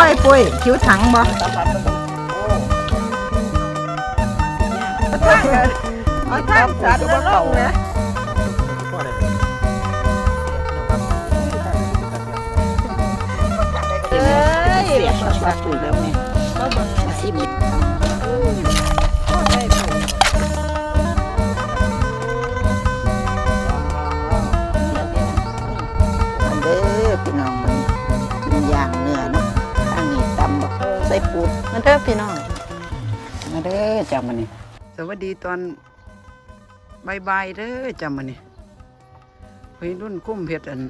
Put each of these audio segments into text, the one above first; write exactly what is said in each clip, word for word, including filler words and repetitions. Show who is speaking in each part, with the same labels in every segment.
Speaker 1: ไอ้ปุ้ยคิ้วถังบ่เอาท่านสัตว์แล้วลงนะเอ้ยเสียบปลาปุ๋ยแล้วเนี่ยมาซิมเด้อพี่น้องมันกินย่างเนื้อเนาะอันนี้ตำบักใส่ปูมันเด้อพี่น้องมาเด้อจ้ามันนี่สวัสดีตอนบ่ายๆเด้อจ้ามันนี่วัยรุ่นคุ้มเผ็ดอัน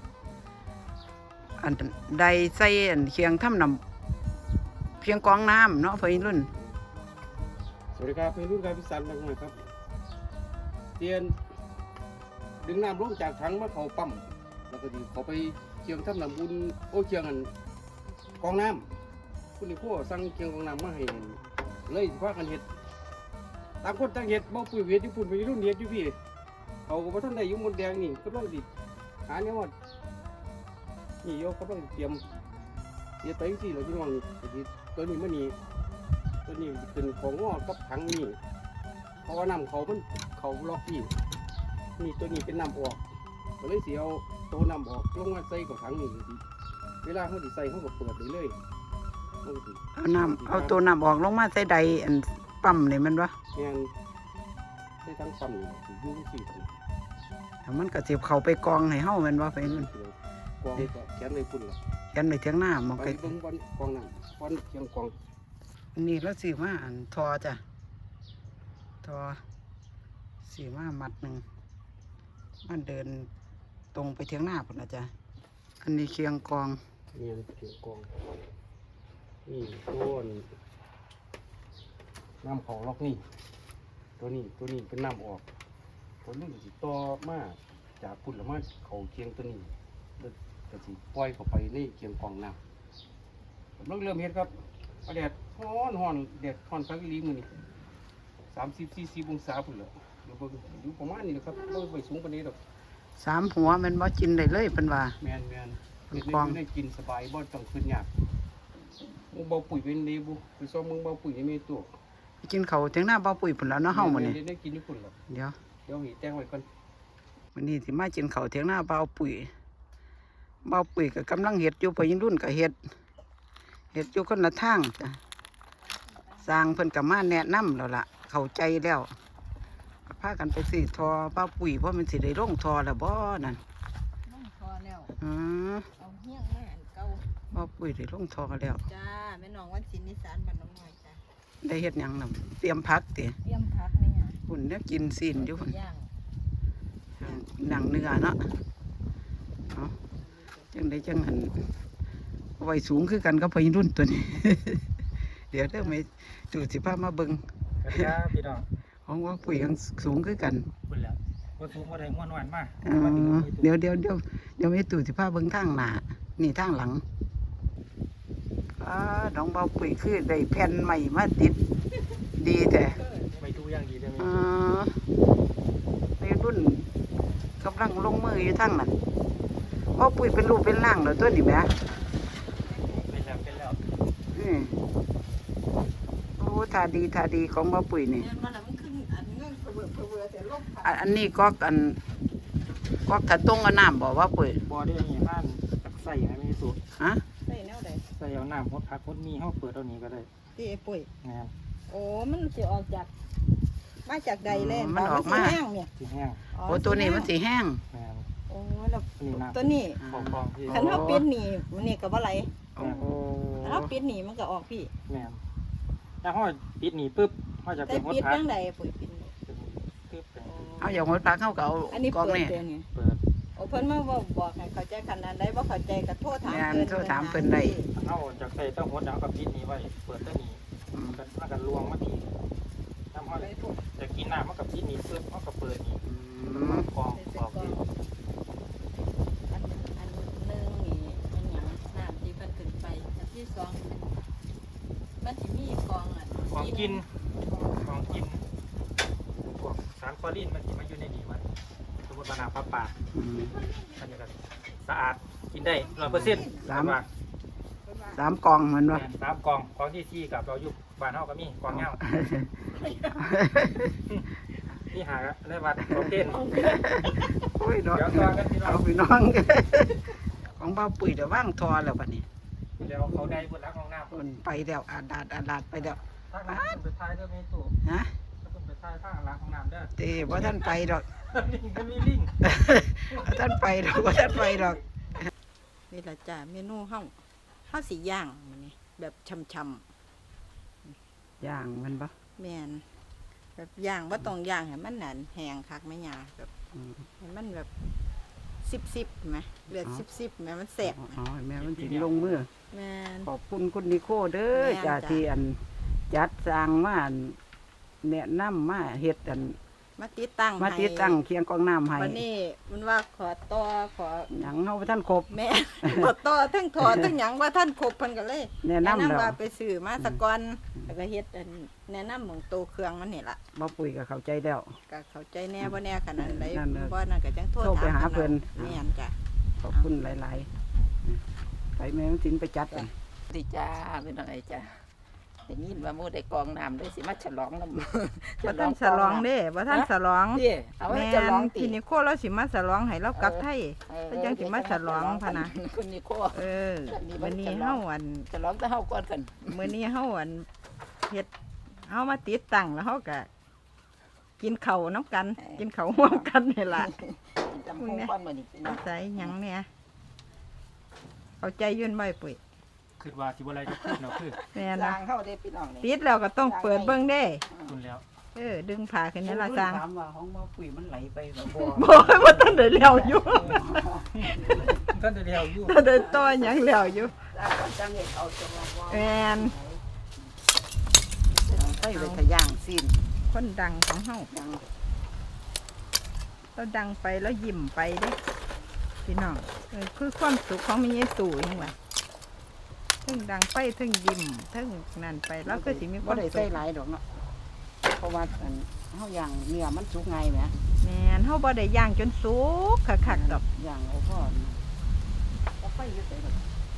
Speaker 1: อันใดใส่อันเคียงทำน้ำเพียงกองน้ำเนาะวัยรุ่น
Speaker 2: สวัสดีครับวัยรุ่นครับพี่สันมาหน่อยครับเตียนดึงน้ำลงจากถังมาเขาปั๊มแล้วก็ดีเขาไปเคียงทำน้ำบุญโอ้เคียงอันกองน้ำคุณนี่พ่อสั่งเคียงกองน้ำมาให้เลยพากันเห็ดต่างคนต่างเห็ดบ่ปุ๋ยเห็ดญี่ปุ่นไปรุ่นเห็ดอยู่พี่เขาก็บ่ทันได้ยุ่งมดแดงนี่ก็ต้องดิหาเนี่ยว่านี่โยก็ต้องเตรียมเตรียมไปสิเราพี่น้องนี่ตัวนี้มันนี่ตัวนี้เป็นของงอกับถังนี่เพราะว่าน้ำเขามันเขาล็อกพี่นี่ตัวนี้เป็นน้ำออกก็เลยเสียเอาตัวน้ำออกลงมาใส่กับถังนี่เวลาเขาดิใส่เขาก็เปิดเลยเลย
Speaker 1: เอาน้ำเอาตัวน้ำออกลงมาใส่ใดอันปั๊มนี่มันวะ
Speaker 2: งานใส่ทั้งปั๊มนี่ยุ่งสิ
Speaker 1: แล้วมันก็เสียบเข้าไปกองให้เฮาแม่นว่าไปนั่น
Speaker 2: กองก็แขนเลยพุ่นละ
Speaker 1: แขนเลยเถียงหน้ามอง
Speaker 2: ไปเบิ่งบอลกองน้ำบอลเทียงกอง
Speaker 1: นี่แล้วสิมาอันทอจ้ะทอสิมามัดหนึ่งมันเดินตรงไปเถียงหน้าพุ่นนะจ้ะอันนี้เคียงกอง
Speaker 2: นี่เคียงกองนี่ต้นน้ำของล็อกนี่ตัวนี้ตัวนี้เป็นน้ำออกตัวนี้ก็สิต่อมาจากพุ่นละมาเขาเคียงตัวนี้แล้วก็สิปล่อยเข้าไปในเคียงกองน้ำผมเริ่มเริ่มเห็ดครับแดดร้อนร้อนแดดร้อนสักลีมือนี่สามสิบสี่สิบองศาพุ่นละเดี๋ยวเบิ่งอยู่ประมาณนี้นะครับไม่ไปสูงกว่านี้หรอก
Speaker 1: สามหัวมันบ่กินได้เลยเป็นว่า
Speaker 2: แมนแมนเห็ดนี่ได้กินสบายบ่ต้องขึ้นยากมึงเบาปุ๋ยเป็นดีบุไปซ้อมมึงเบาปุ๋ยยังไม่ตัว
Speaker 1: ไปกินเขาเถียงหน้าเบาปุ๋ยพุ่นแล้วเนาะเฮามื้อนี้
Speaker 2: ได้กินญี่ปุ่นหรอ
Speaker 1: เดี๋ยว
Speaker 2: เดี๋ยวหีแจ้งไว้ก่อน
Speaker 1: มื้อนี้สิมากินเขาเถียงหน้าเบาปุ๋ยเบาปุ๋ยก็กำลังเฮ็ดอยู่พอยินรุ่นก็เฮ็ดเฮ็ดอยู่คนละทางจ้ะสร้างเพิ่นก็มาแนะนำแล้วล่ะเข้าใจแล้วพากันไปซื้อทอเบาปุ๋ยเพราะมันสิได้ลงทอแล้วบ่นั่น
Speaker 3: ลงทอแล้ว
Speaker 1: อือ
Speaker 3: เอาเฮี้ยงแม่อันเก่า
Speaker 1: เบาปุ๋ยได้ลงทอแล้ว
Speaker 3: จ้าแม่น้องวันศิลป์นิสานบ้านน้องน้อยจ้า
Speaker 1: ได้เฮ็ดหยังนำเตรียมพักติ
Speaker 3: เตรียมพักแม่หยัง
Speaker 1: หุ่นเนี่ยกินซีนอยู่หุ่น
Speaker 3: ย่าง
Speaker 1: หนังเนื้อเนาะเนาะจังได้จังหันไว้สูงคือกันกับพยิรุ่นตัวนี้ เดี๋ยวเด้อไม่ดูสิภาพมาเบิ่ง
Speaker 4: ครับพี่น้อง
Speaker 1: ของว่าปุ๋ยยังสูงคือกัน
Speaker 4: คุณแล้วว่าสูงว่าได้ม้วนหวานมาก
Speaker 1: เดี๋ยวเดี๋ยวเดี๋ยวเดี๋ยวไม่ตู่สิภาพเบิ่งทางหน้านี่ทางหลังอ่าน้องเบาปุ๋ยคือได้แผ่นใหม่มาติดดีแต่
Speaker 4: ไม่ดูอย่างดีเลย
Speaker 1: อ่าในรุ่นกำลังลงมืออยู่ทางนั้นเบาปุ๋ยเป็นรูปเป็นร่างเหรอตัวนี้แม่
Speaker 4: เป็นแล้วเป็นแล้ว
Speaker 1: อืมโอ้ทาดีทาดีของเบาปุ๋ยนี่อันนี้ก็อันก็ถ้าต้งเอาน้ำบอกว่าปุ๋ย
Speaker 4: บ่อได้ยังไงบ้านใส่ให้ไม่สุด
Speaker 1: ฮะ
Speaker 3: ใส่แนวใด
Speaker 4: ใส่เอาน้ำพดพักพดมีเข้าเปิดเอานี้ก็ได้
Speaker 3: ที่ปุ๋ย
Speaker 4: งาน
Speaker 3: โอ้มันจะออกจากมาจากใดเลย
Speaker 1: มันออกมา
Speaker 3: แห้งเนี่ย
Speaker 4: สีแห้ง
Speaker 1: โอ้ตัวนี้มันสีแห้ง
Speaker 3: โอ้แล้วตัวนี้ขันเท้าปิดหนีมันนี่กับอะไร
Speaker 1: โอ้
Speaker 3: ขันเท้าปิดหนีมันก็ออกพี่
Speaker 4: แม่ถ้าห้อยปิดหนีปุ๊บห้อยจะเป็น
Speaker 3: หดพักตั้งใดปุ๋ยปิด
Speaker 1: เอาอย่างหดพักเข้าเก่า
Speaker 3: อันนี้เปิดเนี่ย
Speaker 4: เปิด
Speaker 3: โอ้เพิ่นมาบอกให้เข้าใจขนาดใดบ่เข้าใจก็โทษถาม
Speaker 1: เพิ่นโทษถามเพิ่นได้
Speaker 4: เอาจากใส่ต้องหดเอากับปิดนี้ไว้เปิดตัวนี้กันมากันลวงมาทีทำห้อยจะกินน้ำมากับปิดนี้ปุ๊บเขากับเปิดนี้กองกองที่
Speaker 3: อันอันหนึ่งนี่เป็นหยังน้ำที่เพิ่นขึ้นไปอันที่สองมันสิมีกองอ่ะ
Speaker 4: กองกินกองกินพวกสารคลอรีนมันสิมาอยู่ในนี้มันสมมติว่าน้ำปลาปลาอันนี้ก็สะอาดกินได้ร้อยเปอร์เซ็นต์
Speaker 1: สาม
Speaker 4: ว่า
Speaker 1: สามกองเหมือนว่า
Speaker 4: สามกองกองที่สี่กับเราอยู่บ้านเฮาก็มีกองเงานี่หาได้วัดของเต้น
Speaker 1: โอ้ยเนาะ
Speaker 4: เดี๋ยวตัวกันพี่น้อ
Speaker 1: เอา
Speaker 4: ง
Speaker 1: พี่น้อง ของบ้าปุ๋ยเดี๋ยวว่างทอแล้วบัดนี้
Speaker 4: เดี๋ยวเขาได้บนรักของน้ำ
Speaker 1: คนไปแล้วอาดาดอาดาดไปแล้ว
Speaker 4: ถ้าคุณไปท้ายเด้อไม่ตู่
Speaker 1: ฮะ
Speaker 4: ถ้าคุณไปท้ายข้างรักของน้ำเด้อ
Speaker 1: เต้ว่าท่านไปดอก
Speaker 4: ลิงก็มีลิง
Speaker 1: ว่าท่านไปดอกว่าท่านไปดอก
Speaker 3: นี่ล่ะจ้ะเมนูเฮาเฮาสิย่างมื้อนี้แบบช่ำ
Speaker 1: ย่างมันปะ
Speaker 3: ๆแม่นแบบย่างบ่ต้องย่างให้มันนั่นแห้งคักแม่ย่าแบบ
Speaker 1: อืม
Speaker 3: ให้มันแบบสิบๆแหมเลือดสิบๆแหมมันแซ่บแหม
Speaker 1: อ๋อแม่มันถึงลงมือ
Speaker 3: แม่น
Speaker 1: ขอบคุณคุณนิโคเด้อ
Speaker 3: แม่น
Speaker 1: จ้า
Speaker 3: จ้ะ
Speaker 1: ที่อันจัดสร้างมาอันแนะนำมาเฮ็ดอัน
Speaker 3: มาติดตั้ง
Speaker 1: มาติดตั้งเคียงกองน้ำให้
Speaker 3: วันนี้มันว่าขอต่อขอ
Speaker 1: หยังเฮาบ่ท่านครบ
Speaker 3: แม่ ขอต่อทั้งถอนทั้งหยังว่าท่านครบเพิ่นก็เลย
Speaker 1: แนะนำแล้ว
Speaker 3: ว่าไปซื้อมาสะก่อนแล้วก็เฮ็ดอันแนะนำหม่องโตเครื่องมันนี่ล่ะ
Speaker 1: บ่ปุ๋ยก็เข้าใจแล้ว
Speaker 3: ก็เข้าใจแน่บ่แน่ขนาดใด
Speaker 1: นั่นน่ะ
Speaker 3: บ่นั่นก็จังโทษ
Speaker 1: โทรไปหา
Speaker 3: ถม
Speaker 1: เพิ่น
Speaker 3: แม่นจ้ะ
Speaker 1: ขอบคุณหลายๆไปแม่มันสินไปจัดกัน
Speaker 5: ดีจ้าเป็นอะไรจ้าได้ยินว่าหมู่ได้กองน้ำได้สิมาฉลองน้ำ
Speaker 3: บ่ทันฉลองเด้บ่ทันฉลอง
Speaker 5: เด้เอาไว้
Speaker 3: แม่
Speaker 5: ฉลอง
Speaker 3: น
Speaker 5: ติ
Speaker 3: ทีนี้โคเราสิมาฉลองให้เรากลับไทย
Speaker 5: เออ
Speaker 3: แล้วจังสิมาฉลองพะนะ
Speaker 5: คุณนี่โค
Speaker 3: เออมื้อนี้เฮาอัน
Speaker 5: ฉลองแต่เฮาก่อนกัน
Speaker 3: มื้อนี้เฮาอันเฮ็ดเฮามาติดตั้งแล้วเฮาก็กินข้าวน้ำกัน กินข้าวร่วมกันนี่ล่ะ
Speaker 5: กินตำพุงก่อนมื้อนี้พี่น้อง
Speaker 3: ใส่หยังเนี่ยเอาใจยื่นไว้ปุ๋ย
Speaker 4: คือว่าสิบ่อะไรก็พูดเนาะคือ
Speaker 3: แม่
Speaker 5: ส
Speaker 3: นะ
Speaker 5: ร้างเฮาได้พี่น้องนี่
Speaker 3: ติดแล้วก็ต้องเปิดเบิ่งเด้
Speaker 4: คุณแล้ว
Speaker 3: เออ ดึงผ้าขึ้นนี่ละจาง
Speaker 1: ถามว่าของบ่ปุ๋ยมันไหลไปบ่บ่
Speaker 3: บอกให้ว่าท่านได้แล้วอยู่
Speaker 4: ท่านได้เดียวอยู่
Speaker 3: ท่านได้ต่อหยังแล้วอยู่
Speaker 5: สร้างก่อนจังเฮ็ดเอาจังว่า
Speaker 3: แม่น
Speaker 1: ไปไปทะย่างสิ้น
Speaker 3: คนดังของเฮา
Speaker 5: จัง
Speaker 3: เราดังไปแล้วยิ้มไปเด้พี่น้องเออคือความสุขของมีเยซูจังว่าถึงดังไปถึงยิ้มถึงนั่นไปแล้วก็สิมีค
Speaker 1: บ่
Speaker 3: วาม
Speaker 1: ได้
Speaker 3: สุ
Speaker 1: ใส่
Speaker 3: ข
Speaker 1: หลายดอกเนาะเพราะว่าอันเฮาย่างเนื้อมันสุกไงแหม
Speaker 3: แม่นเฮาบ่ได้ย่างจนสุกคักๆดอก
Speaker 1: ย่างเอาพอเอาไปอยู่ไสดอก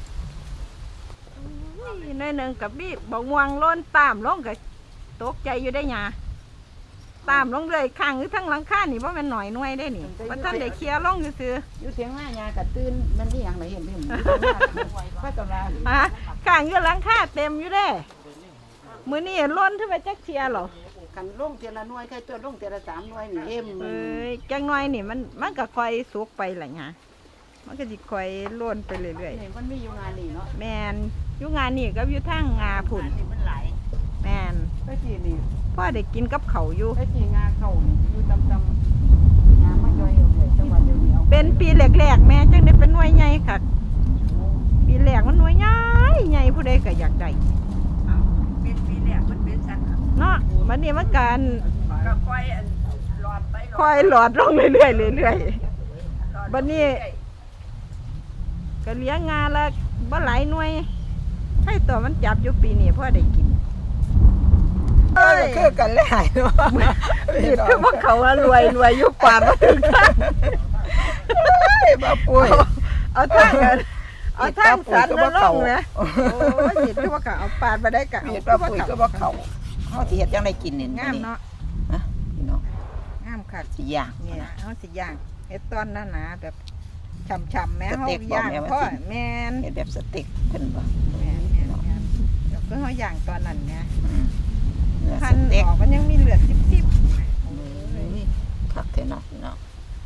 Speaker 3: อุ้ยน้อยหนึงกับบีบบ่ม่วงล้นตามลงก็ตกใจอยู่ได้หยาตามลงเลยข้างหรือทั้งหลังคานี่บ่แม่นหน่อยหน่วยได้นี่บ่ทันได้เคลียร์ลงซื่อ
Speaker 1: อยู่เถียงหน้ายากะตื่นมันนี่หยังไหนเห็นเห็นพระกำลัง
Speaker 3: ๆฮะข้างอยู่หลังคาเต็มอยู่เด้มื้อนี้ล้นขึ้นไปจักเทียหรอ
Speaker 1: กันลงเทียละหน่วยใครตัวลงเทียละสามหน่วยนี่เอ็ม
Speaker 3: เอ้ยจังน้อยนี่มันมันก็ค่อยสุกไปล่ะหยามันก็สิค่อยล้นไปเรื่อย
Speaker 1: นี่มันมีอยู่งานนี่เนาะ
Speaker 3: ๆแม่นอยู่งานนี่ก็อยู่ทางงาพุ่น
Speaker 1: นี่มันหลาย
Speaker 3: แม่น
Speaker 1: ก็จีนี่
Speaker 3: พ่อได้กินกับเขาวอยู่
Speaker 1: ก็จีงาเข้านี่อยู่ตำตำงามาย่อยเอาเลยจังหวัดเดียวนี้เอา
Speaker 3: เป็นปีแรกๆแม่จังได้เป็นหน่วยใหญ่ค่ะปีแรกมันหน่วยใหญ่ใหญ่ผู้ใดก็อยากได้
Speaker 1: เป็นปีแรกมันเป็นสัน
Speaker 3: เนาะมันนี่มันการ
Speaker 1: ก็ค่อยอันหลอดไป
Speaker 3: คอยหลอดลงเรื่อยๆเรื่อยๆบัดนี้ก็เลี้ยงงานละบ่หลายหน่วย ให้ตัวมันจับอยู่ปีนี้พ่อได้กิน
Speaker 1: เอ้ยคือกันเลยหายเนาะ
Speaker 3: นี่คือว่าเขาว่ารวยรวยอยู่ป่ามาถึงทาง
Speaker 1: มาป่วย
Speaker 3: เอาทางกันเอาทางสันแล้วลงแหมโอ้ยนี่คือว่าเขาเอาปาดมาได้กะเอา
Speaker 1: เห็ด
Speaker 3: คื
Speaker 1: ว่า
Speaker 3: อว่า
Speaker 1: ปุ๋ย
Speaker 3: เขา
Speaker 1: ก็ว่าเขาเฮาสิเฮ็ดจังไดกินนี่
Speaker 3: งามเนาะ
Speaker 1: นะพี่น้อง
Speaker 3: งามค่ะ
Speaker 1: สิย่าง
Speaker 3: เนี่ยเอาสิย่างเฮ็ดตอนนั้นนะแบบฉ่ำๆแม่
Speaker 1: ส
Speaker 3: เฮา
Speaker 1: เต็กบ่
Speaker 3: ย่าง
Speaker 1: แม่ว่า
Speaker 3: พ่อ
Speaker 1: สิ
Speaker 3: แม่น
Speaker 1: เฮ็ดแบบสเต็กเพิ่นบ่
Speaker 3: แม่นแม่นแม่นเดี๋ยวคือเฮาย่างตอนนั้นเนี่ย
Speaker 1: อืมเนื้อ
Speaker 3: พั
Speaker 1: ส
Speaker 3: น
Speaker 1: เต็ก
Speaker 3: ออกมันยังมีเลือดซิบๆอยู่ไหม
Speaker 1: คักแท้เนาะพี่น้อง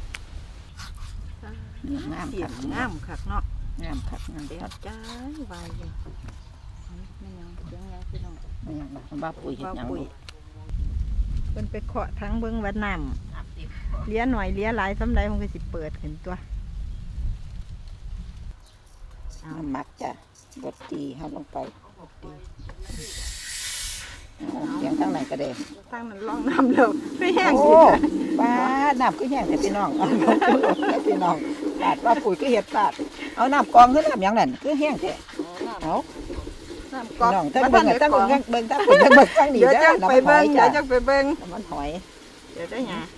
Speaker 1: งาม
Speaker 3: เสีย
Speaker 1: คั
Speaker 3: ง
Speaker 1: ก
Speaker 3: งามคักเนาะ
Speaker 1: งามคักงาม
Speaker 3: เดี๋ยว
Speaker 1: คัก
Speaker 3: จ้าวายอยู่ไม่ยังเสียงยังพี่น้อง
Speaker 1: ไม่หยังนะบ้าปุ๋ยเฮ็ดหยัง
Speaker 3: ปุ๋ย
Speaker 1: ลูก
Speaker 3: เพิ่นไปเคาะทั้งเบิ่งว่าน้ำเลี้ยหน่อยเลี้ยหลายสำใดมันก็สิเปิดขึ้นตัว
Speaker 1: น้ำมักจ้ะบดตีเฮาลงไปเอาเสียงทางไหนก็ได้
Speaker 3: ทางนั้นล่องน้ำเร็วไม่แห้ง
Speaker 1: โอ้
Speaker 3: กินเลย
Speaker 1: ป้าน้ำก็แห้งแต่พี่น้องเอาพี่น้องปาดว่าปุ๋ยก็เฮ็ดปาดเอาน้ำกองคือน้ำหยังนั่นคือแห้งแท้เอา
Speaker 3: น้ำก
Speaker 1: พี่
Speaker 3: อก
Speaker 1: น้องทั้ง
Speaker 3: มา
Speaker 1: เบิ่ง
Speaker 3: ได้
Speaker 1: ทั้ง
Speaker 3: กอก
Speaker 1: เบิ่งเบิ่งทั้งเบิ่งเบิ่งทั้งนี้
Speaker 3: เดี๋ยว
Speaker 1: เด้
Speaker 3: จั
Speaker 1: อง
Speaker 3: ไป
Speaker 1: น้ำหอ
Speaker 3: เบิ่
Speaker 1: ย
Speaker 3: ง
Speaker 1: จ้ะ
Speaker 3: เดี๋ยวจังไปเบิ่ง
Speaker 1: น้ำมันหอย
Speaker 3: เดี๋ยวได้หยัง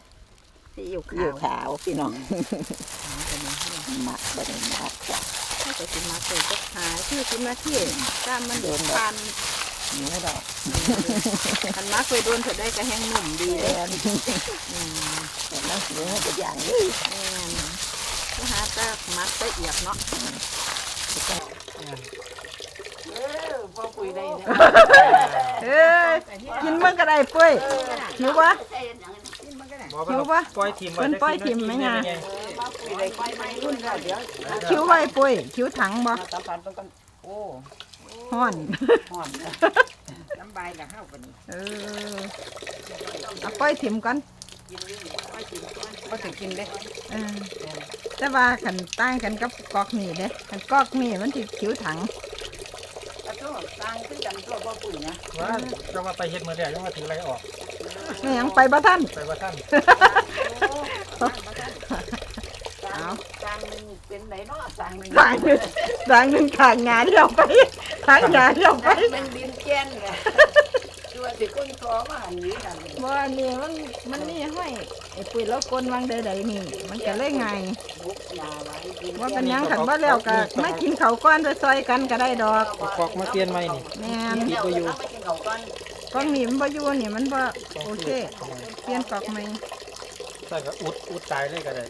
Speaker 3: ซีอิ๊ว
Speaker 1: อยู่
Speaker 3: ขาว
Speaker 1: ขาวพี่น้องหมักบ่ได้หมักจ้ะ
Speaker 3: ถ้าก็สิมาเกิดก็หาชื่อสิมาที่ตามมันโดนพัน
Speaker 5: หนูดอก
Speaker 3: อันมาเคยโดนเธอได้ก็แห้งหนุ่มดี
Speaker 5: แม
Speaker 3: เลย
Speaker 5: นแต่น้ำหนูจะอย่างนี้
Speaker 3: แม่นก็หาแตะมัดแตะเอียบเนาะ
Speaker 5: เออพ่อคุยได้เนี่ย
Speaker 3: เอ้ยกินมันก็ได้ปุ้ยหิวปะ หิวปะ
Speaker 4: ปล่อยทีม
Speaker 3: เพิ่นปล่อยทิ่มไหมงา
Speaker 5: รุ่นเดี๋ยว
Speaker 3: คิ้วไว้ปุ้ยคิ้วถังบ่
Speaker 5: สัมผัสมันกันโอ้
Speaker 3: ฮ้อน
Speaker 5: ห่อนน้ำใบกับข้าวกัน
Speaker 3: เออเอาปล่อยถิ่มก่อน
Speaker 5: ก็ถึงกินได้
Speaker 3: เออแต่ว่าขันต่างกันกับกอกนี่เด้ขันกอกนี่มันสิคิ้วถัง
Speaker 5: กระโดดสร้างขึ้นกันตัวพ่อปุ๋ยนะ
Speaker 4: ว่าจะมาไปเฮ็ดมือเดียวยังมาถืออะไรออก
Speaker 3: ไม่หยังไปบ่ท่าน
Speaker 4: ไปว่าท่าน
Speaker 5: สร้างสร้างหนึ่งเป็นไหนเนาะสร้างหนึ่ง
Speaker 3: ทางหนึ่งทางหนึ่งทางงานเดียวไปทางงานเดียวไป
Speaker 5: หนึ่งดินแจ้นเลยตัวสิก้นคอมาหันนี้กัน
Speaker 3: บ่อันนี้มันมันนี่ห้อยไอ้ปุ๋ยแล้วกลวางใดๆนี่ มันก็เลยไง
Speaker 5: บุกยาไว้ดิน
Speaker 3: ว่าเป็นหยังขันว่าแล้วก็ไม่กินเขาวก้อนไปซอยกันก็ได้ดอก
Speaker 4: เอากอกมาเปลี่ยนไหมนี่
Speaker 3: แม่น
Speaker 5: เดี๋ยวจะไปกินเขาก่อน
Speaker 3: กองนี่มันบ่อยู่นี่มันบ่โอเคเปลี่ยนกอกใหม่
Speaker 4: ใส่ก็อุดอุดตายเลยก็ได้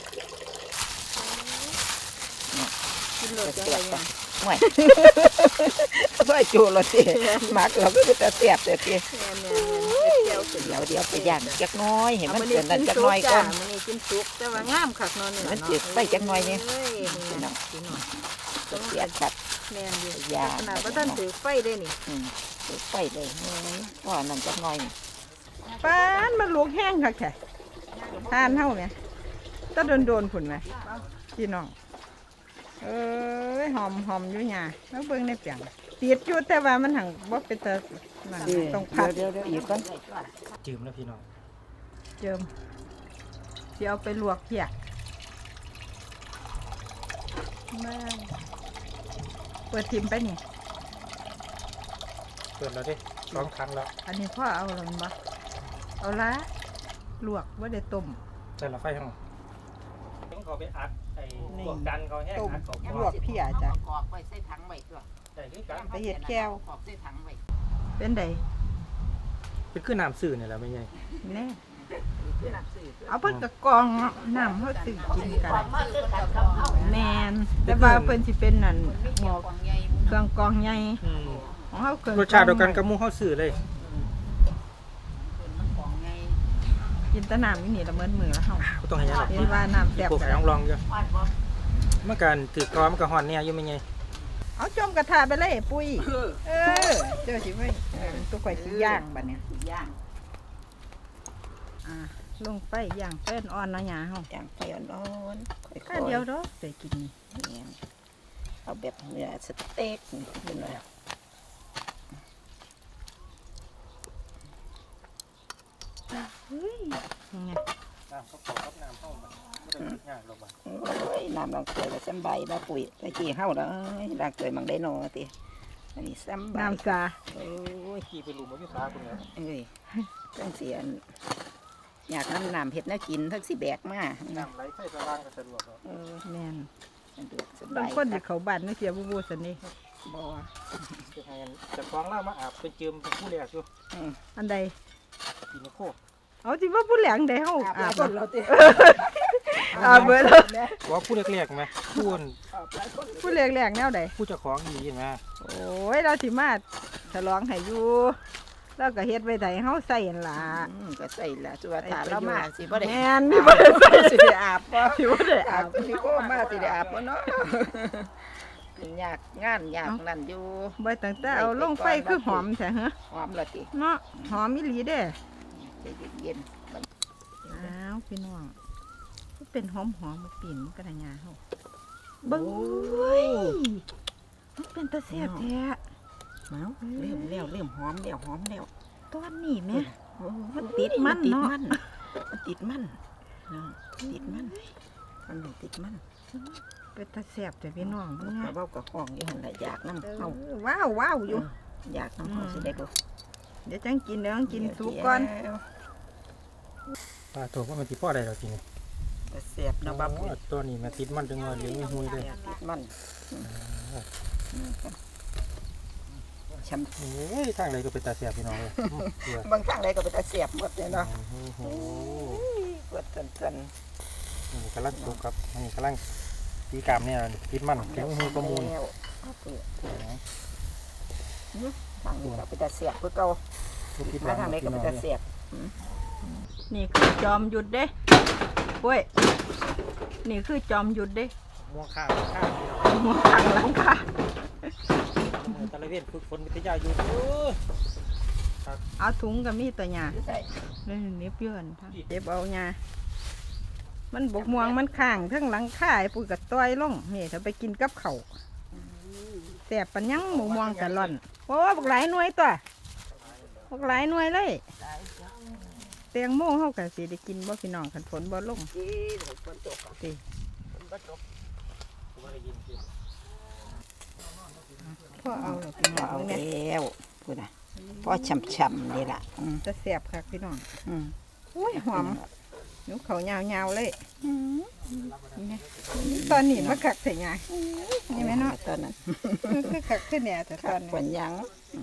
Speaker 3: กินโลดจังได๋
Speaker 5: ห่วยซอยจูเราสิมักเราก็จะเสียบแต่สิ
Speaker 3: แม่นๆเจียวสิ
Speaker 5: เดี๋ยวเดี๋ยวไปย่างจักน้อยเห็น
Speaker 3: เอา
Speaker 5: มัน
Speaker 3: มื้อ
Speaker 5: เกินนั่น
Speaker 3: กิน
Speaker 5: จัก
Speaker 3: สุ
Speaker 5: น้
Speaker 3: ก
Speaker 5: อยก่
Speaker 3: จ้า
Speaker 5: อน
Speaker 3: มื้อนี้กินสุกแต่ว่างามคักเนาะนี่
Speaker 5: มันสิไปจักหน่อยนี่
Speaker 3: เอ้ย
Speaker 5: พี่น้อง
Speaker 3: พี่น้อง
Speaker 5: เสียขัด
Speaker 3: แม่นอยู่
Speaker 5: ยา
Speaker 3: ขนาดว่าท่านถือไฟได้นี่
Speaker 5: อืมไปเลยว่านั่นจักน้อย
Speaker 3: ปานมันลูกแห้งคักแท้ทานเฮาแหมตะโดนๆพุ่นแหมพี่น้องเอ้ยหอมหอมอยู่หยาแล้วเบิ่งในเปียงติดอยู่แต่ว่ามันหังบ่เป็นตานั่นต้องพัก
Speaker 5: เดี๋ยวเดี๋ยวอีกก่อน
Speaker 4: จืมแล้วพี่น้อง
Speaker 3: เจิมสิเอาไปลวกเพียมาเปิดทิมไปนี่
Speaker 4: เปิดแล้วดิสองครั้งแล้ว
Speaker 3: อันนี้พ่อเอาแล้วมันบ่เอาละลวกบ่ได้ต้ม
Speaker 4: ใส่ละไฟห้องต้องเขาไปอัดไอ้พวกกันเขาแห้งอัดเขา
Speaker 3: ลวกเพียจ้ะ
Speaker 5: กอกไว้ใส่ถังไว้ตัว
Speaker 4: ใส่คือกัน
Speaker 3: ไปเฮ็ดแก้ว
Speaker 5: กอกใส่ถังไว้
Speaker 3: เป็นได
Speaker 4: เป็นคือน้ำซื่อนี่แหละไม่ใช่
Speaker 3: แน่เอาเพิ่นก็กรองน้ำเฮาตื่นกินกัน
Speaker 5: มาคือกันกับเฮา
Speaker 3: แม่นแต่ว่าเพิ่นสิเป็นนั่นหมอก
Speaker 5: ของใหญ่
Speaker 3: เครื่องกรองใหญ่
Speaker 4: อืม
Speaker 3: ของเฮาเครื่อง
Speaker 4: รสชาติเดียวกันกับหมูเขาซื่อเลย
Speaker 5: ของใหญ่
Speaker 3: กินแต่น้ำอยู่นี่ละเมินมือแล้วเฮา
Speaker 4: บ่ต้องให้ยังหรอก
Speaker 3: เห็นว่าน้ำแซ่บ
Speaker 4: พวกไอ้ลองลองอยู่
Speaker 5: วาดบ่
Speaker 4: เมื่อการถือกรอมันก็ฮ้อนเนี่ยอยู่ไม่ไง
Speaker 3: เอาจมกระทะไปเลยปุ้ยเออเจ้าสิไว้เออตัวข่อยสิย่างบัดเนี้ย
Speaker 5: ย่าง
Speaker 3: อ่าลงไปย่างเป็นอ่อนเนาะหยาเฮา
Speaker 5: ย่างไฟอ่อนๆค่อยๆ
Speaker 3: ข้าเดียวดอกใส่กินนี่
Speaker 5: เนี่ยเอาแบบเนื้อสเต็กนี่ขึ้นมา
Speaker 3: เฮ้ยยังไง
Speaker 4: น้ำเขาขอกับน้ำเข้ามาไม่ได้ยากหรอกบ้า
Speaker 5: โอ้ยน้ำลางเกลือก็สำใบบ่ปุ๋ยตะกี้เฮาเด้อลางเกลือมังได้นอติอันนี้สำใบ
Speaker 3: น้ำซา
Speaker 5: โอ้ย
Speaker 4: ขี่ไปหลุมมันอยู่ขาคุณเนี่ย
Speaker 5: เอ้ยจังเสียนอยากน้ำน้ำเฮ็ดแนวกินทั้งสิแบกมา
Speaker 4: น้ำไหลไฟสว่างก็สะดวก
Speaker 5: เออ
Speaker 3: แม่น
Speaker 5: สะดวกส
Speaker 3: บา
Speaker 5: บาง ย
Speaker 3: คนสิเข้าบ้านนึกเสียบูบูซั่นนี่
Speaker 5: บ่
Speaker 4: จะให้จะฟ้องเล่ามาอาบเป็นเจิมเป็นผู้แรกอยู่
Speaker 5: อืม
Speaker 3: อันใด
Speaker 4: กินโคก
Speaker 3: เอาสิว่าผู้แหลงได้เฮา
Speaker 5: อา
Speaker 3: อา
Speaker 5: บบ คน
Speaker 3: บ่
Speaker 5: เราติ
Speaker 3: อาบเบิดแล้ว
Speaker 4: ว่าผู้แรกๆไหมผู้อัน
Speaker 3: ผู้แหลงๆแนวใด
Speaker 4: ผู้เจ้าของดีไหม
Speaker 3: โอ้ยเราสิมาฉลองให้อยู่แล้วก็เฮ็ดไว้ไดเฮาใส่นั่นล่ะ
Speaker 5: อืมก็ใส่ละตัวถาเรามาสิบ่ได้
Speaker 3: แม่นมีบ่ได้ใส่
Speaker 5: สิได้อาบบ่
Speaker 3: สิบ่ได้
Speaker 5: อา
Speaker 3: อา
Speaker 5: บบ สิโอ้มาสิได้อาบบ่เนาะเป็นยากงานยากนั่นอยู่
Speaker 3: บ่ตั้งแต่เอาลงไฟคือหอมแท้ฮะ
Speaker 5: หอมละติ
Speaker 3: เนาะหอมอีหลีเด้
Speaker 5: ใจเย็น
Speaker 3: อ้าวพี่น้องมันเป็นหอมหอมๆปิ่นมันกระยาเฮา
Speaker 5: ๆ
Speaker 3: เบิ่ง
Speaker 5: โอ้
Speaker 3: เว้
Speaker 5: ย
Speaker 3: ยมันเป็นตาแซ่บแท้
Speaker 5: เมาเริ่มแล้วเริ่มหอมแล้วหอมแล้ว
Speaker 3: ตอนนี้แม่
Speaker 5: โอ้
Speaker 3: มันติดมัน
Speaker 5: ติด
Speaker 3: เนาะ
Speaker 5: มันมันติดมันเนาะติดมันมันไม่ติดมัน
Speaker 3: เป็นตาแซ่บแต่พี่น้อง
Speaker 5: มั
Speaker 3: เบิ่
Speaker 5: น
Speaker 3: ง
Speaker 5: ก็
Speaker 3: อะ
Speaker 5: เว้ากับห้องอยู่หั่นล่ะอยากน้ำ
Speaker 3: เอ
Speaker 5: เฮา
Speaker 3: อว้าวว้าวอยู่
Speaker 5: อยากน้ำเฮาสิได้บ่
Speaker 3: เดี๋ยวจังกินเดี๋ยวจังกินสุกก่อน
Speaker 5: เดี๋ยว
Speaker 4: ปลาตัวว่ามันที่พ่อใดเราจริง
Speaker 3: ป
Speaker 5: แต่เสียบเนาะบ้าปุ๋ย
Speaker 4: ตัวนี้มาติดมันจังเลยเลี้ยงไม่หุยเลย
Speaker 5: ติดมันช้ำ
Speaker 4: โอ้ยทางไหนก็เป็นตาเสียบพี่น้องเลยเพื่อบ
Speaker 5: างครั้งใดก็ไปแต่เสียบหมดเลยเนาะ
Speaker 4: โอ้โห
Speaker 5: เปิดเกิน
Speaker 4: นี่กำลังสุกครับนี่กำลังตีกรามเนี่ยติดมันเลี้ยงไม่หุยประมูล
Speaker 5: แล้วทางนี้ก็ไปแต่เสียบเพื่อเก่ามาทางไหนก็ไปแต่เสียบ
Speaker 3: นี่คือจอมหยุดเด้เว้ยนี่คือจอมหยุดเด้
Speaker 4: ม่วงข้าวข้าวพี่น้อง
Speaker 3: หัวขังหลังค่ะ
Speaker 4: ตะเลเวนฝึกฝนวิทยาอยู่เออ
Speaker 3: เอาถุงกับมีตัวหยา
Speaker 5: ใส่
Speaker 3: เลยเน็บเยื่อนเจ็บเอาหยามันบกม่วงมันข้างทั้งหลังข่ายปุ๋ยกับต้อยลงนี่ถ้าไปกินกับเขาวแสบปัญญังบกม่วงกะล่อนโอ้บกหลายหน่วยตัวบกหลายหน่วยเลยแตงโมเฮากับสิได้กินบ่พี่น้องขันฝนบ่ลง
Speaker 5: ที่ฝนตก
Speaker 3: สิ
Speaker 5: ฝนบ่ตก
Speaker 3: พ่อเอาเลยพี่น้อง
Speaker 5: เอา
Speaker 3: เนี่ย
Speaker 5: แล้วพูดนะพอช่ำๆนี่ล่ะอืม
Speaker 3: จะแสบค่ะพี่น้อง
Speaker 5: อืม
Speaker 3: อุ้ยหอมหนูเขายาวๆเลยนี่ตอนนี้มาขักใส่ยานี่ไหมเนาะ
Speaker 5: ตอนนั้น
Speaker 3: คือขักขึ้นเนี่ยแต่ต
Speaker 5: ขั
Speaker 3: อน
Speaker 5: ด
Speaker 3: นี้
Speaker 5: ฝนยัง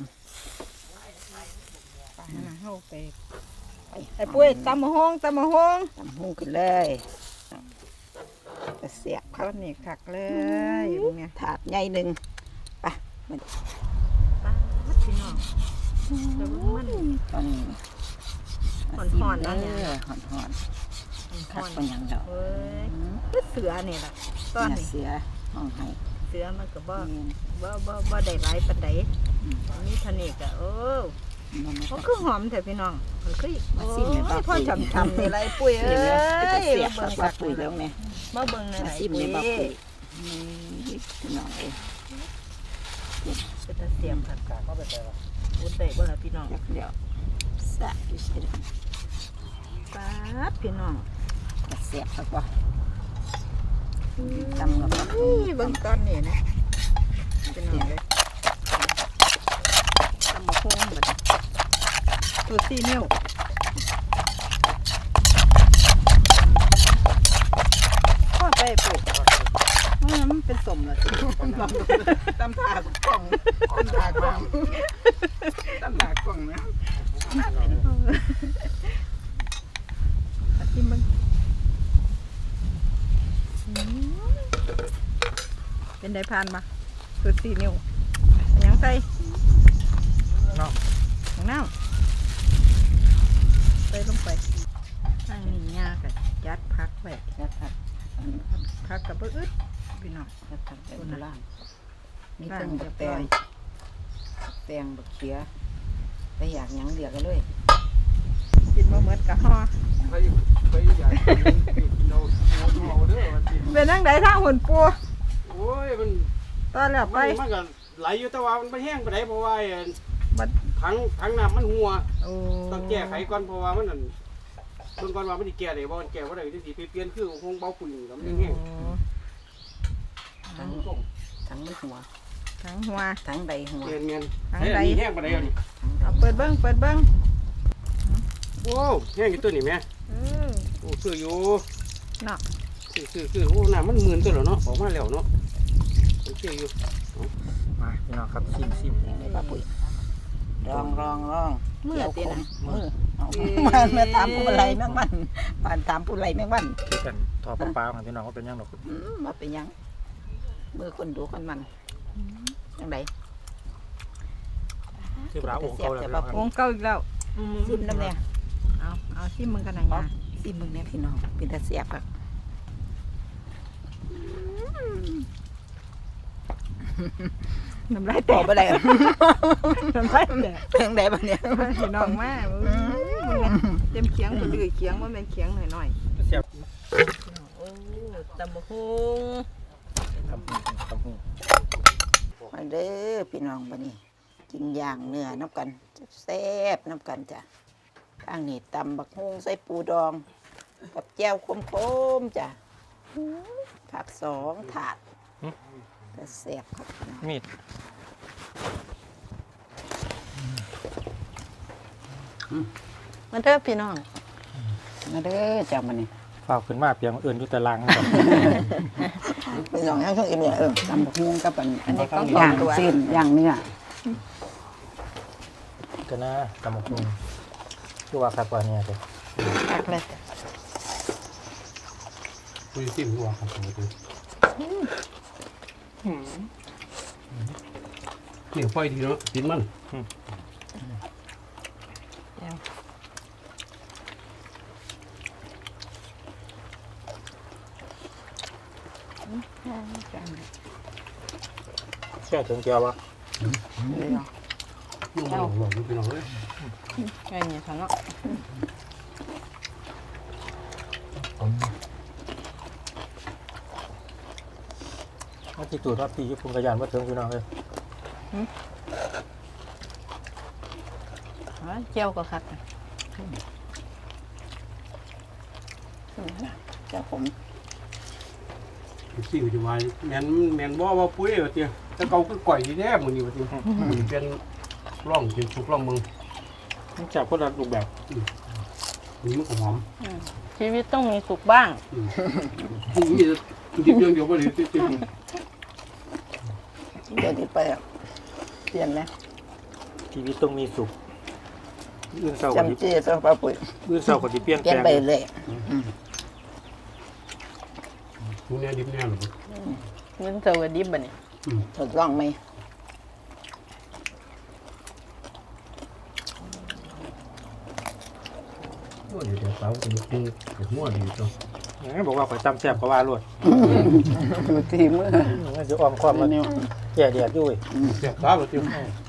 Speaker 3: ป่าน่ะเฮาไปไอ้ปุ้ยตำมะฮงตำมะฮง
Speaker 5: ทำหุ้งขึ้นเลยจะเสียบ
Speaker 3: ตอนนี้ขักเลยอยู่เนี่ย
Speaker 5: ถาดใหญ่หนึ่งไปมัน
Speaker 3: ป้าดพี่น้องแต่ว่ามัน
Speaker 5: ตอนนี้
Speaker 3: ห่อนๆเนาะเนี่ย
Speaker 5: ห่อนห่อนๆขัด
Speaker 3: ห่อน
Speaker 5: ฝนยังดอก
Speaker 3: เอ้ยคือเสือนี่แหละตอนนี้
Speaker 5: เสือห้องให้
Speaker 3: เสือมันก็บ่บ่บ่บ่ได้หลายปานใดมีเทานิกอะโอ้
Speaker 5: มัน
Speaker 3: มันคือหอมแต่พี่น้องมันคือ
Speaker 5: มาซิมเลย
Speaker 3: โอ้
Speaker 5: ป้าย
Speaker 3: พ่อ
Speaker 5: ปุ๋ย
Speaker 3: จำๆนี่ไรปุ้ยเอ้
Speaker 5: เสียบเลย
Speaker 3: ย
Speaker 5: เสียบ
Speaker 3: มา
Speaker 5: ป้า
Speaker 3: เบิ่ง
Speaker 5: ปุ๋ยแล้วไง
Speaker 3: มาเบิ่งในไหน
Speaker 5: มาซิม
Speaker 3: ปุ้
Speaker 5: เลย ยป้าปุ๋ยนี่น้องเอ้ย
Speaker 3: เป็นตาเสียมค่ะ
Speaker 4: กาเข้าไปแต่ละ
Speaker 3: อุดได้บ่ล่ะพี่น้อง
Speaker 5: เดี๋ยวเดี๋ยวสะอยู่ใช่ไหม
Speaker 3: ป๊าดพี่น้อง
Speaker 5: เสียบครับว่าตำกับ
Speaker 3: นี่เบิ่งตอนนี้นะพี่น้องเลย
Speaker 5: ตำมะพร้าวแบบ
Speaker 3: ตัวสี่นิ้วพ่อไปปุ้ยเออมันเป็นสมละสิ
Speaker 5: ตำถาดกล่องตำถาดกล่องตำถาดกล่องนะ
Speaker 3: อาทิมมึงเป็นไดพานมาตัวสี่นิ้วยังใส่
Speaker 4: เนาะ
Speaker 3: ของน้ำใส่ลงไปอันนี้ยากะยัดพักไว้
Speaker 5: นะครับ
Speaker 3: พักกับเบิ้อึดพี่น้อง
Speaker 5: นะครับเป็นล่างนี่
Speaker 3: ล่า
Speaker 5: เพิ่
Speaker 3: ง
Speaker 5: ง
Speaker 3: เรี
Speaker 5: จะ
Speaker 3: ยบ
Speaker 5: แปล
Speaker 3: ร้อง ย
Speaker 5: แปลงบักเขียไปอยากหยังเดียวกันเลย
Speaker 3: กินมาเหมือนกับห่อ
Speaker 2: ไปไปอยากกินเราเราเอาเด้อว่าสิ
Speaker 3: เป็นนั่งไดทางหุ่นปู
Speaker 2: โอ้ยมัน
Speaker 3: ตอนแล้วไป
Speaker 2: มันมันก็ไหลอยู่แต่ว่ามันไม่แห้งไปไหนเพราะว่าไอ้
Speaker 3: บัด
Speaker 2: ถังถังน้ำมันหัว
Speaker 3: โอ้
Speaker 2: ต้องแก้ไขก่อนเพราะว่ามันนั่นเบิ่งก่อนว่ามันสิแก้ได้บ่มันแก้บ่ได้ที่สิไปเปลี่ยนคือคงเบาปุ๋ยแล้วมันยังแห้ง
Speaker 5: ทั้งทั้งมันหัว
Speaker 3: ทั้งหัว
Speaker 5: ทั้งใดหัว
Speaker 2: เมียนเมียน
Speaker 3: ถัง
Speaker 2: ไอ้
Speaker 3: ใด
Speaker 2: อันนี้แห้งไปไหนเอานี่
Speaker 3: เอาเปิดเบิ้งเปิดเบิ้ง
Speaker 2: โอ้แห้งอยู่ตัวนี่แม่
Speaker 3: เออ
Speaker 2: โอ้ซื้ออยู่
Speaker 3: เนาะ
Speaker 2: ซื้อซื้อซื้อโอ้น้ำมันหมื่นตัวแล้วเนาะออกมาแล้วเนาะโอเคอยู่
Speaker 4: มาพี่น้องครับซิมซิม
Speaker 5: ในป้าปุ๋ยรองรองรอง
Speaker 3: มือ
Speaker 5: เกี่ยว
Speaker 3: ตี
Speaker 5: ขม
Speaker 3: นะ
Speaker 5: มือเอามามาตามผู้ไรแม่งวันผ่านตามผู้ไรแม่งวัน
Speaker 4: คือกันทอดปลาๆของพี่น้องว่าเป็นยังหรอก
Speaker 5: อืมมาเป็นหยังมือคนดูคนมันยังไง
Speaker 4: คือปลาโอ่งเขาแล้วพี่น้องครับ
Speaker 3: วงเก่าอีกแล้ว
Speaker 5: ซิมน้ำเนี่ย
Speaker 3: เอาเอาซิมมึงกันหน่อยนะ
Speaker 5: ซิมมึงเนี่ยพี่น้องเป็นตาเสียบครับ
Speaker 3: น้ำลายแต
Speaker 5: บอก
Speaker 3: ก
Speaker 5: ไปเลย
Speaker 3: น้ำลายแตก
Speaker 5: เพลงใดบ้างเนี่ย
Speaker 3: พี่น้องมาเต็มเขียงคนดื้อเขียงว่าเป็นเขียงหน่อยหน่อย
Speaker 4: เสียบ
Speaker 3: โอ้ตำบะฮง
Speaker 4: ทำหูทำหู
Speaker 5: มาเด้อพี่น้องบันนี้กินย่างเนื้อน้ำกันแซ่บน้ำกันจ้ะทางนี้ตำบักฮุงใส่ปูดอง กับแจ่วคมๆจ้ะผักสองถาดแต่แซ่บครับพี่น้อง
Speaker 4: มีด
Speaker 3: มาเด้อพี่น้อง
Speaker 5: มาเด้อจ้ามันนี่
Speaker 4: ไฟฝ้าขึ้นมาเปียงอื่นอยู่แต่ล่างนะครับ
Speaker 5: พี่น้องทั้งช่วงอีเนี่ยเออ
Speaker 1: ตำบักฮวงกับอัน
Speaker 3: อันนี้ต้อง
Speaker 1: ย่าง
Speaker 3: ตัว
Speaker 1: เส้นย่างเนื้อ
Speaker 4: ก็นะตำบักหุ่งคือว่าคักกว่าเนี่ยจ้ะ
Speaker 3: ตักเลย
Speaker 2: คุยซิมหัวครับผมดูนี่ไฟดีเนาะกินมัน
Speaker 4: แช่ถึงเจียววะ
Speaker 2: ยุ่งมันหลงหลงพี่น้องเลย
Speaker 3: ไงเนี่ยฉันเนาะ
Speaker 4: ว่าที่ตูดว่าพี่ยุพุงกระยานว่าถึงพี่น้องเลย
Speaker 3: เจียวก็คัก
Speaker 5: จ้าผม
Speaker 2: สิ่งที่วายแมนแมนบ่ว่าปุ้ยว่าเตี้ยแต่เก่าคือก่อยดีแท้มื้อนี้ว่าเตี้ยเป็นร่องเป็นสุกร่องมึง
Speaker 4: มันจับคนละรูปแบบ
Speaker 2: นี่มันก็หอม
Speaker 3: ชีวิตต้องมีสุขบ้าง
Speaker 2: นี่ดิบเดียวเดียวบ่ได้ติด
Speaker 5: เดี๋ยวที่ไปอ่ะเปลี่ยนนะ
Speaker 4: ชีวิตต้องมีสุขอื่นเศร้ากว่าที่
Speaker 5: จำจี้ต้องปลาปุ๋ย
Speaker 4: อื่นเศร้ากว่าที่เปลี่ยน
Speaker 5: เปลี่ยน
Speaker 4: แปลง
Speaker 5: ไปเลย
Speaker 2: มึงแน่ดิบแน่หรอ
Speaker 3: เงินเจอดิบบ่เนี่ย
Speaker 5: ทดลองไหม
Speaker 2: โอ้ยเดี๋ยวสาวจะกินกับหัวดีจ้ะ
Speaker 4: อย่างนั้นบอกว่าข่อยจำแซ่บก็ว่าลวด
Speaker 1: อยู่ที่มือ
Speaker 4: มันจะอ้อมความมัน
Speaker 1: นิ้ว
Speaker 4: แก่เดียดด้วย
Speaker 2: เสียบสาวเตี้ย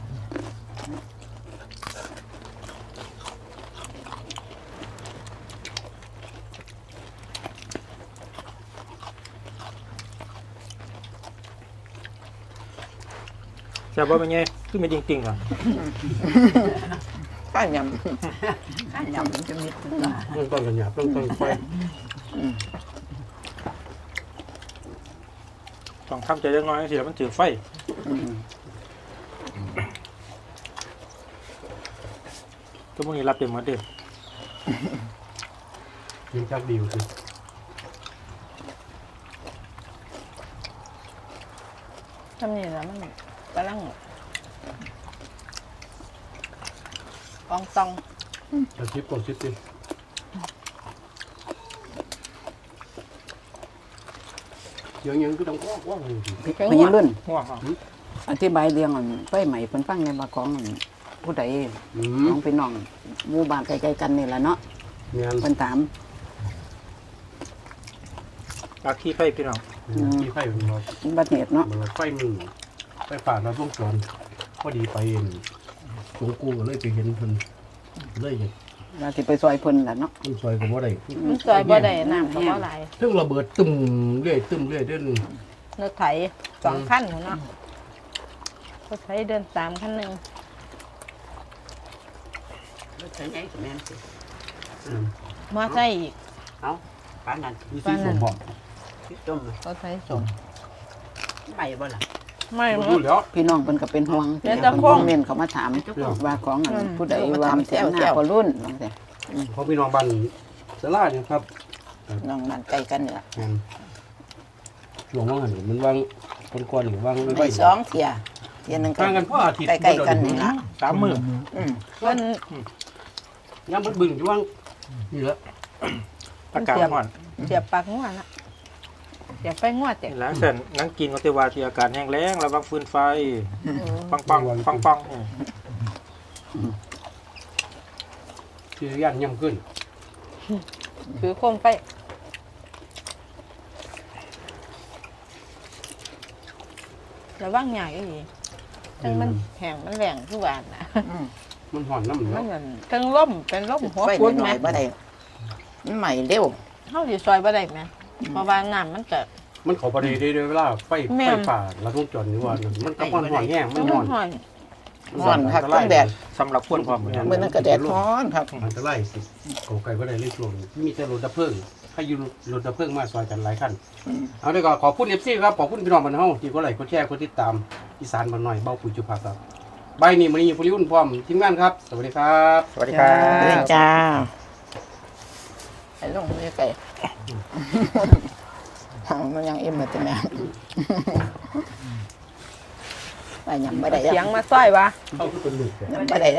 Speaker 4: แซ่บว่าเป็นไงคือไม่จริงๆอ่ะ
Speaker 5: ข้าวยำข้าวยำมันจะมิดตัว
Speaker 2: เรื่องต้นกันหยาบเรื่องต้นไฟ
Speaker 4: ต้องทำใจเล็กน้อยสิแล้วมันถือไฟก็พวกนี้รับเต็มหมดเด้อ
Speaker 2: ยังจักดีอยู่สิ
Speaker 3: ทำนี่แล้วมันกำลังกองตอง
Speaker 2: จะชิปก่อนชิปสิยังยังก็ต้องว้าวว้าวเลยสิ
Speaker 1: พญรุ่น
Speaker 4: ห่วงอ่ะ
Speaker 1: อธิบายเรื่องอันไฟใหม่เพิ่นฟังในมาของอันผู้ใด
Speaker 2: อื
Speaker 1: ข
Speaker 2: ม
Speaker 1: องพี่น้องหมู่บ้านใกล้ๆกันนี่ล่ะเนาะ
Speaker 2: เมียน
Speaker 1: เพิ่นถาม
Speaker 4: ปากขี้ไฟพี่น้อง
Speaker 2: ที่ไฟมันบอก
Speaker 1: บัดเหตุเนาะ
Speaker 2: มันไฟมึงไฟป่าเราต้องสอนพอดีไปเองสงกูก็เลยไปเห็นเพิ่นเลยเห็น
Speaker 1: ว่าสิไปซอยเพิ่นล่ะเนาะ
Speaker 2: มันซอยก็บ่ได้
Speaker 3: มันซอยบ่ได้น้ำก็บ่ไหล
Speaker 2: ถึงระเบิดตึมเรื่อยตึมเรื่อยเด้น
Speaker 3: รถไถสองคันหัวเนาะรถไถเดินสามคันหนึ่ง
Speaker 1: ใช่ไงแม่นสิ
Speaker 3: มอไซค์อีก
Speaker 1: เอาปานนั้น
Speaker 2: วิธีสมบอก
Speaker 1: สิต้ม
Speaker 3: รถไถสม
Speaker 1: ใหม่บ่ล่ะ
Speaker 3: ไม่
Speaker 2: บ่
Speaker 3: หม
Speaker 2: รู้
Speaker 3: ด
Speaker 2: แล้ว
Speaker 1: พี่น้องเพิ่นก็เป็นห่วง
Speaker 3: เดี๋ยวจะ
Speaker 1: เพิ่น
Speaker 3: คง
Speaker 1: คอมเมนต์เขามาถามว่าของอัน
Speaker 3: อืม
Speaker 1: ผู้ใดว่าทำเสียงหน้าพอรุ่นว่าซั่น
Speaker 2: พอพี่น้องบ้านสลาเนี่ยครับ
Speaker 5: น้องนั่นใกล้กันเนี่ย
Speaker 2: อืมช่วงว่างหันมันวางคนกวนหรือวางไม่
Speaker 5: ไป
Speaker 2: ไหว
Speaker 5: สองเที่ยเที่ยหนึงกั
Speaker 2: ห่างกันพ่ออาทิตย์
Speaker 5: ใกล้ๆกันนี่ละ
Speaker 4: สามมือ
Speaker 5: อืม
Speaker 3: เพิ่น
Speaker 2: ย้ำมันบึ้งอยู่ว่างนี่แหละ
Speaker 4: อากาศร้อน
Speaker 3: เสียบปากงัวนะเสียบไฟงัวแตก
Speaker 4: นี่แหล้วเส้นนั่งกินก็เทวาที่อากาศแห้งแล้งระวังฟืนไฟปังปังปังปังๆอืม
Speaker 2: ที่ย่านย่ำขึ้น
Speaker 3: ถือโคมไฟระวังใหญ่อีหลีจังมันแห้งมันแหลงทุกวันนะ
Speaker 2: มันห่อนน้ำเหนื
Speaker 3: มั
Speaker 2: อน
Speaker 3: เหมือนเครื่องล่มเป็นล่มหัว
Speaker 5: ไฟ
Speaker 3: ฟุ้น
Speaker 5: ห
Speaker 3: ไห
Speaker 5: น่
Speaker 3: ม
Speaker 5: อยๆบ่ได้มันใหม่เร็ว
Speaker 3: เฮาสิซอยบ่ได้ไหมเพราะว่าน้ำมันเกิด
Speaker 2: มันเขาประเดี๋ยวเวลาไฟ
Speaker 3: แม่
Speaker 2: ไฟ
Speaker 3: น
Speaker 2: ป่าเราต้องจอดนี่ว่ามันก็มันห่อนแห้งมัน
Speaker 3: มั
Speaker 2: ห่อน น
Speaker 3: ห่อน
Speaker 5: ร้อนคักต้องแดด
Speaker 4: สำหรับคนพร้อมเหมือนกัน
Speaker 5: มื้อนั้นก็แดดร้อนครับ
Speaker 2: อันตรายสิเก่าไก่ก็ได้เลยช่วงนี้มีแต่รถดับเพลิงให้อยูรถดับเพลิงมาซอยกันหลายคันเอาได้ก็ขอบคุณเอฟซีครับขอบคุณพี่น้องบ้านเฮาที่ก็ไลค์กดแชร์กดติดตามอีสานบ้านหน่อยเบ้าปุ๋ยจุภาครับใบนี้มื้อนี้ผู้ริวุ่นพร้อมทีมงานครับ สวัสดีครับ
Speaker 4: สวัสดีครับ
Speaker 5: เด้อจ้าไอ้ลงไม่ไก่มันยังเอ็มเลยแต่แม่ไปยังไม่ได้
Speaker 3: เสียงมาซ้อยวะ
Speaker 2: เขาคือเป็นลูก
Speaker 5: ยังไม่ได้